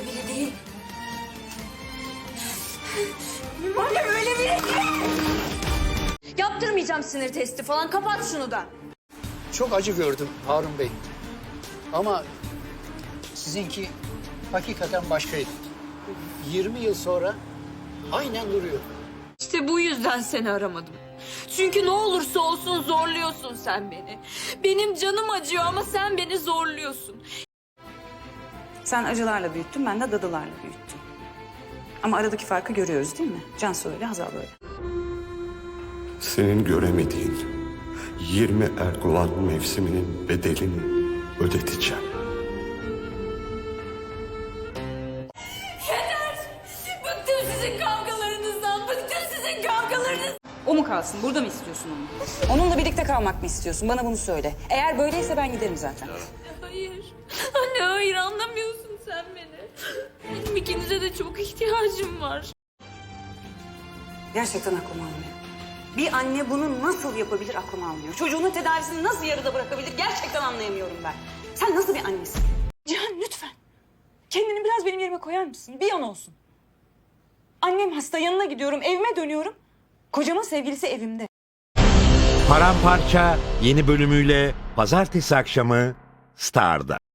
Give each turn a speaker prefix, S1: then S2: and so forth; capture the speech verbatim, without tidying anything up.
S1: biri değil. Annem öyle biri değil. Yaptırmayacağım sinir testi falan. Kapat şunu da.
S2: Çok acı gördüm Harun Bey. Ama sizinki hakikaten başkaydı. yirmi yıl sonra aynen duruyor.
S1: İşte bu yüzden seni aramadım. Çünkü ne olursa olsun zorluyorsun sen beni. Benim canım acıyor ama sen beni zorluyorsun.
S3: Sen acılarla büyüttün, ben de dadılarla büyüttüm. Ama aradaki farkı görüyoruz değil mi? Cansu öyle, Hazal böyle.
S4: Senin göremediğin yirmi Erguvan mevsiminin bedelini ödeteceğim.
S1: Yeter! Bıktım sizin kavgalarınızdan, bıktım sizin kavgalarınızdan.
S3: O mu kalsın? Burada mı istiyorsun onu? Onunla birlikte kalmak mı istiyorsun? Bana bunu söyle. Eğer böyleyse ben giderim zaten.
S1: Hayır. Anne hayır anlamıyorsun sen beni. Benim ikinize de çok ihtiyacım var.
S3: Gerçekten aklım almıyor. Bir anne bunu nasıl yapabilir aklım almıyor. Çocuğunun tedavisini nasıl yarıda bırakabilir gerçekten anlayamıyorum ben. Sen nasıl bir annesin? Cihan lütfen. Kendini biraz benim yerime koyar mısın? Bir an olsun. Annem hasta, yanına gidiyorum, evime dönüyorum. Kocamın sevgilisi evimde.
S5: Paramparça yeni bölümüyle pazartesi akşamı Star'da.